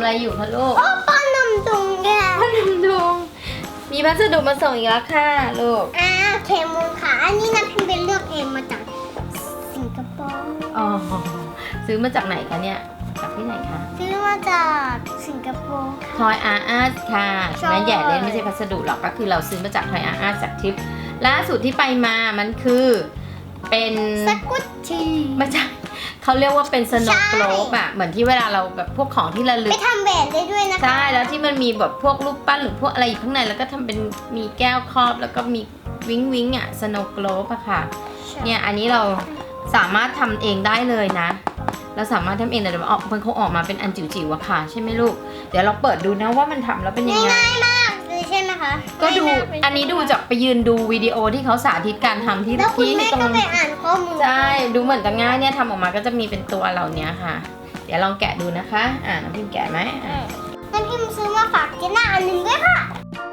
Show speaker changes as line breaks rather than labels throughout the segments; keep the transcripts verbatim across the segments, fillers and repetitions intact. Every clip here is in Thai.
อะไรอยู่คะลูก
โอ้ป้อนนมดุงแก
ป้อนนมดุงมีพัสดุมาส่งอีกแล้วค่ะลูก
อ้าวเคมูลค่ะอันนี้นะพิมเป็นเลือกเองมาจากสิงคโปร์
อ๋อซื้อมาจากไหนคะเนี่ยจากที่ไหนคะ
ซื้อมาจากสิงคโปร์
ท
ค่ะ
อยอาร์อาร์ค่ะ
ใช่
แม่แย่เล่นไม่ใช่พัสดุหรอกก็คือเราซื้อมาจากทอยอาร์อาร์จากทริปล่าสุดที่ไปมามันคือเป็น
สกุตชี
ไม่ใช่เขาเรียกว่าเป็นสโนว์โกลบอะเหมือนที่เวลาเราแบบพวกของที่ระลึ
ไป
ก
ทำแหวนได้ด้วยนะคะ
ใช่แล้วที่มันมีแบบพวกรูปปั้นหรือพวกอะไรอยู่ข้างในแล้วก็ทำเป็นมีแก้วครอบแล้วก็มีวิงวิงอะสโนว์โกลบอะค่ะเนี่ยอันนี้เราสามารถทำเองได้เลยนะเราสามารถทำเองแต่เดี๋ยวมันออกมันคงออกมาเป็นอันจิ๋วๆอะค่ะใช่ไหมลูกเดี๋ยวเราเปิดดูนะว่ามันทำแล้วเป็นยังไง
ง่ายมากเลยใช่ไหมคะ
ก็ดู
ง่ายมากเลย
อันนี้ดูจากไปยืนดูวิดีโอที่เขาสาธิตการทำที่
แล้วคุณ
ที่
แม่
ตร
ก็
ง
ไปอ่านข้อมูล
ใช่ดูเหมือนจะง่ายเนี่ยทำออกมาก็จะมีเป็นตัวเหล่านี้ค่ะ เดี๋ยวลองแกะดูนะคะอ่าน้องพิมแกะไหมอ่า
แล้วพิมซื้อมาฝากเจน่าอันหนึ่งด้วยค่ะ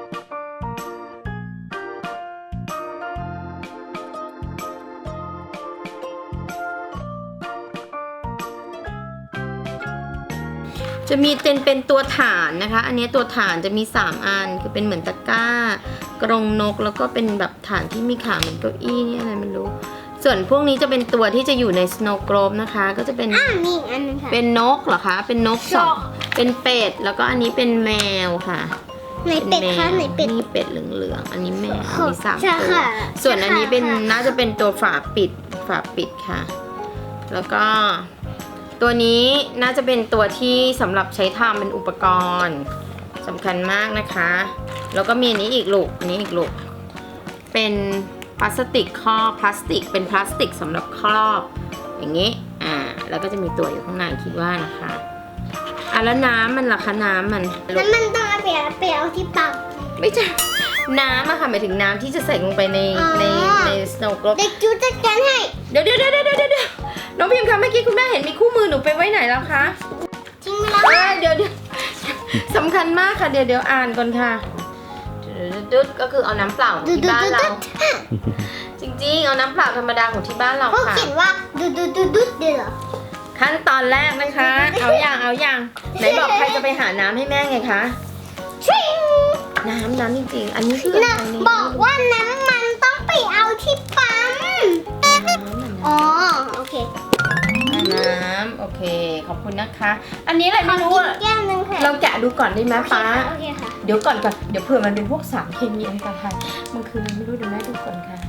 จะมีเป็นเป็นตัวฐานนะคะ อันนี้ตัวฐานจะมีสามอันคือเป็นเหมือนตะกร้ากรงนกแล้วก็เป็นแบบฐานที่มีขาเหมือนเก้าอี้นี่อะไรไม่รู้ ส่วนพวกนี้จะเป็นตัวที่จะอยู่ใน Snow Globe นะคะก็จะเป็น
อ่ามีอีกอันหนึงค่ะ
เป็นนกเหรอคะเป็นนกสองเป็นเป็ดแล้วก็อันนี้เป็นแมวค่ะ
ไหนเป็ดคะไหนเป็ด
นี่เป็ดเหลืองๆอันนี้แมว
ค่ะ
มีสาม
ใช่
ตัว
ค่ะ
ส่วนอันนี้เป็น
ใช่ค่ะ
น่าจะเป็นตัวฝาปิดฝาปิดค่ะ แล้วก็ตัวนี้น่าจะเป็นตัวที่สำหรับใช้ทำเป็นอุปกรณ์สำคัญมากนะคะ แล้วก็มีอันนี้อีกลูกอันนี้อีกลูกเป็นพลาสติกครอบพลาสติกเป็นพลาสติกสำหรับครอบอย่างนี้อ่าแล้วก็จะมีตัวอยู่ข้างในคิดว่านะคะอ่ะแล้วน้ำมันล่ะคะน้ำมัน
แล้วมันต้องเอาไปเอาไปเอาที่ปาก
ไม่ใช่น้ำอะค่ะหมายถึงน้ำที่จะใส่ลงไปใน
อ๋อ
ในใน snow globe
เด็กจูจัดการให้
เดี๋ยวเดี๋ยวเดี๋ยวเดี๋ยวเดี๋ยวน้องพิมพ์คะเมื่อกี้คุณแม่เห็นมีคู่มือหนูไปไว้ไหนแล้วคะ
จริงไหมล่ะ
เอ้ยเดี๋ยวเดี๋ยวสำคัญมากค่ะเดี๋ยวเดี๋ยวอ่านก่อนค่ะดุดก็คือเอาน้ำเปล่าของ
ดู
ที่
ดู
บ้าน
ดู
เรา
ดู
จริงๆเอาน้ำเปล่าธรรมดาของที่บ้านเรา
เขา
ค่ะ
เขียนว่าดูดูดูดูเดี๋ยวเหรอ
ขั้นตอนแรกนะคะ เอาอย่างเอาอย่างไหนบอกใครจะไปหาน้ำให้แม่ไงคะ
ชิง
น้ำน้ำจริงๆอันนี้คืออะไร
นะ
เนี่ย
บอกว่าน้ำมันต้องไปเอาที่ปั๊ม
น้ำมัน
อ๋อโอเค
น้ำโอเคขอบคุณนะคะ อันนี้อะไรไม่รู้
กิน
อะ
แก้วนึงค่ะ
เราแกะดูก่อนได้ไหมป้า
โอเคค่ะ
เดี๋ยวก่อนก่อนเดี๋ยวเผื่อมันเป็นพวกสารเคมีอะไรกันค่ะมันคืออะไรไม่รู้เดี๋ยวแม่ดูก่อนค่ะ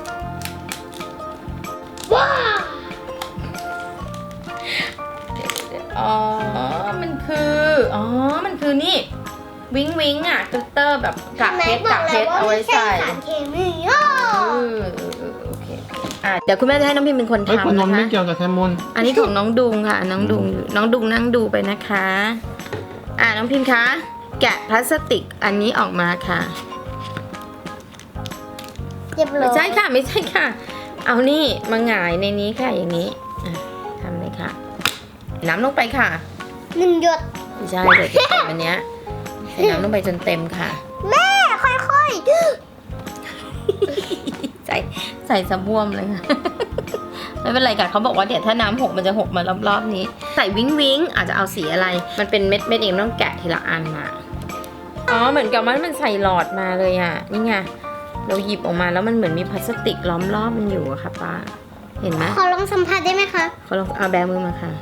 ว้าว
อ๋อมันคืออ๋อมันคือนี่วิงวิงอ่ะกลิตเตอร์แบบกากเพชรกากเพชรเอาไว้ใส่
สารเคมีโอ้
เออเออเออโอเคอ่ะเดี๋ยวคุณแม่จะให้น้องพิมเป็นคน
เฮ้ยคุณ
ทำ
น
นะ
นท์ไม่
คะ
เกี่ยวกับแคมูล
อันนี้ของน้องดุงค่ะน้องดุงน้องดุงนั่งดูไปนะคะอ่ะน้องพิมคะแกะพลาสติกอันนี้ออกมาค่ะ
เรียบร้อ
ไม่
ย
ใช่ค่ะไม่ใช่ค่ะ เอานี่มาหงายในนี้ค่ะอย่างนี้อ่ะทำเลยค่ะ น้ำลงไปค่ะ
หนึ่งหยด
ไม่ใช่เดี๋ยวจะเต็มอันเนี้ยใส่น้ำลงไปจนเต็มค่ะ
แม่ค่อย
ใส่ใส่สะบวมเลยค่ะ ไม่เป็นไรค่ะเขาบอกว่าเดี๋ยวถ้าน้ำหกมันจะหกมารอบๆนี้ ใส่วิ้งวิ้งอาจจะเอาสีอะไร มันเป็นเม็ดเม็ดเองต้องแกะทีละอันมาอ๋อเหมือนกับว่ามันใส่หลอดมาเลยอ่ะนี่ไงเราหยิบออกมาแล้วมันเหมือนมีพลาสติกล้อมรอบมันอยู่อะค่ะป้าเห็นไหม
ๆขอลองสัมผัสได้ไหมคะ
เขาลองเอาแบมือมาค่ะ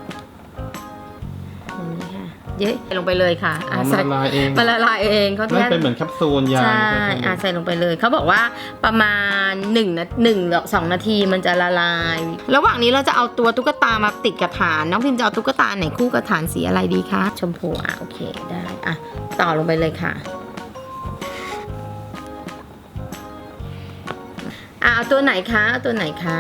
อย่างนี้ค่ะเยอะลงไปเลยค่ะ
อ๋อ
อ่ะ
มัน
ใส่
ละลายเอง
มันละลายเองเขา
นั่น
แค่
เป็นเหมือนแคปซูลยา
ใช่
ไหม
อ่ะใส่ลงไปเลยเขาบอกว่าประมาณหนึ่งนาหนึ่งหรือสองนาทีมันจะละลาย ระหว่างนี้เราจะเอาตัวตุ๊กตามาติดกับฐานน้องพิมจะเอาตุ๊กตาไหนคู่กับฐานสีอะไรดีคะชมพูอ่ะโอเคได้อ่ะต่อลงไปเลยค่ะอ่ะเอาตัวไหนคะเอาตัวไหนคะ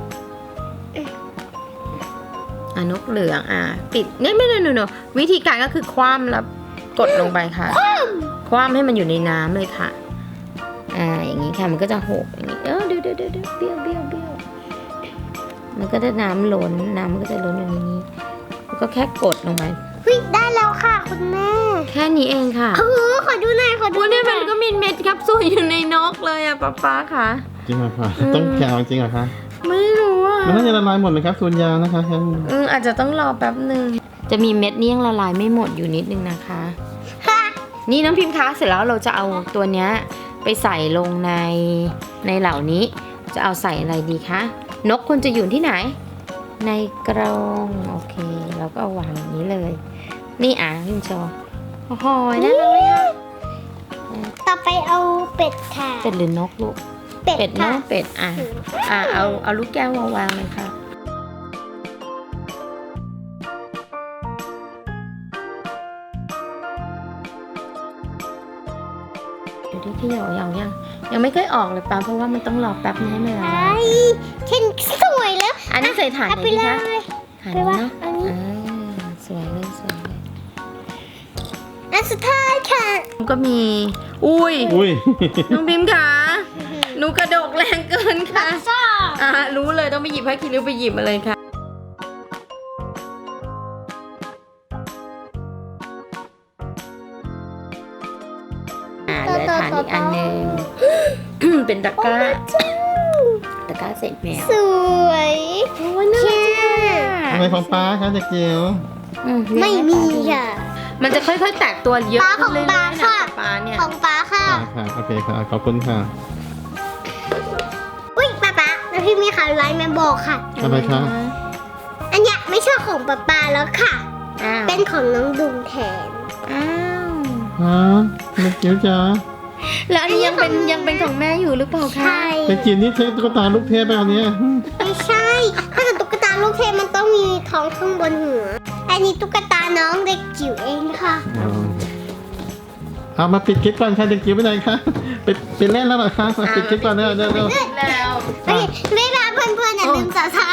อ่ะนกเหลืองอ่ะติดเนี่ยไม่ไม่ไม่ไม่วิธีการก็คือคว่ำแล้วกดลงไปค่ะ คว่ำให้มันอยู่ในน้ำเลยค่ะ อ่า อย่างนี้ค่ะ มันก็จะหกอย่างนี้ เออเดี๋ยวเดี๋ยวเดี๋ยวเบี้ยวเบี้ยวเบี้ยวมันก็จะน้ำล้น น้ำมันก็จะล้นอย่างนี้แล้วก็แค่กดลงไป
เฮ้ยได้แล้วค่ะคุณแม่
แค่นี้เองค่ะ
โอ้โหขอดูหน่อยขอดู
วัน
ห
นี้
น่
มั
อย
นก็มีเม็ดแคปซูลอยู่ในนกเลยอะป๊าป๊าค่ะ
จริงเหรอคะ
อืม
ต้องแกะเอาจริงเหรอคะ
ไม่รู้อะ
มันน่าจะละลายหมดเลยแคปซูลยานะคะแคมูล
อืมอาจจะต้องรอแป๊บหนึ่งจะมีเม็ดนี่ยังละลายไม่หมดอยู่นิดนึงนะคะ
ค่ะ
นี่น้องพิมพ์คะเสร็จแล้วเราจะเอาตัวเนี้ยไปใส่ลงในในเหล่านี้ จะเอาใส่อะไรดีคะนกควรจะอยู่ที่ไหน ในกรงโอเคเราก็เอาวางอย่างนี้เลย นี่อ่ะพิมพ์โชว์โอ้โหน่ารักไหมคะ
ต่อไปเอาเป็ดค่ะ
เป็ดหรือนกลูก
เป็ด
เป็ด
ค่ะ
เนาะเป็ดอ่ะอ่ะเอาเอาลูกแก้วมาวางเลยค่ะดูดิที่เหยายังยังยังไม่เคยออกเลยป้าเพราะว่ามันต้องรอแป๊บนึงให้มันละลา
ไอ้
ย
เช่นสวยแล้ว
อันนี้ใส่ถ่าน
เอา
ไหน
ไป
ดี
เล
คะ
ย
ถ่าน
ไป
นี้
ว่า
เนาะ
อันนี้
อ่าสวยเลยสวยเลย
อันสุดท้ายค่ะ
ก็มี อุ้ย
อุ้ย
น้องพิมพ์ค่ะหนูกระดกแรงเกินค่ะ
ซ่า
อ่ารู้เลยต้องไปหยิบให้คิริวไปหยิบมาเลยค่ะอ่าเหลือฐานอีกอันหนึ่ง เป็นตะกร้าตะกร้าเศษแมว
สวย
โอ้ยน่ารักจังเลยอะ
อะไรของป้าคะเด็กจิ๋ว
อื
ไม่มีค่ะ
มันจะค่อยๆแตกตัวเยอะ
ปลา
ขึ้นเรื่อย
ของปลา
ๆนะ
ค่ะ
ปลาเนี่ย
ของป้าค่ะ
ค่ะค่ะโอเคค่ะขอบคุณค่ะ
อุ้ยป้าป้าแล้วพี่มีข่าวร้ายมาบอกค่ะ
อะไรคะ
อันเนี้ยไม่ใช่ของป้าป้าแล้วค่ะ
อ้าว
เป็นของน้องดุงแทน
อ้าว
ฮะเด็กจิ๋วจ๋า
แล้วอันนี้ยังเป็นยังเป็นของแม่อยู่หรือเปล่าคะ
ใช่
เด็กจิ๋วนี่ใช้ตุ๊กตาลูกเทพไปอันเนี้ย
ไม่ใช่ ถ้าเกิดตุ๊กตาลูกเทพมันต้องมีท้องข้างบนหัว อันนี้ตุ๊กตาน้องเด็กจิ๋วเองค่ะ
อ๋อเอามาปิดคลิปก่อนค่ะเด็กจิ๋วไปไหนคะไปไปเล่นแล้วเหรอคะมาปิดคลิปก่อนเร็วเร็วเร็ว
แล้ว
โอเคบ๊ายบายเพื่อนๆอย่าลืมสับสไคร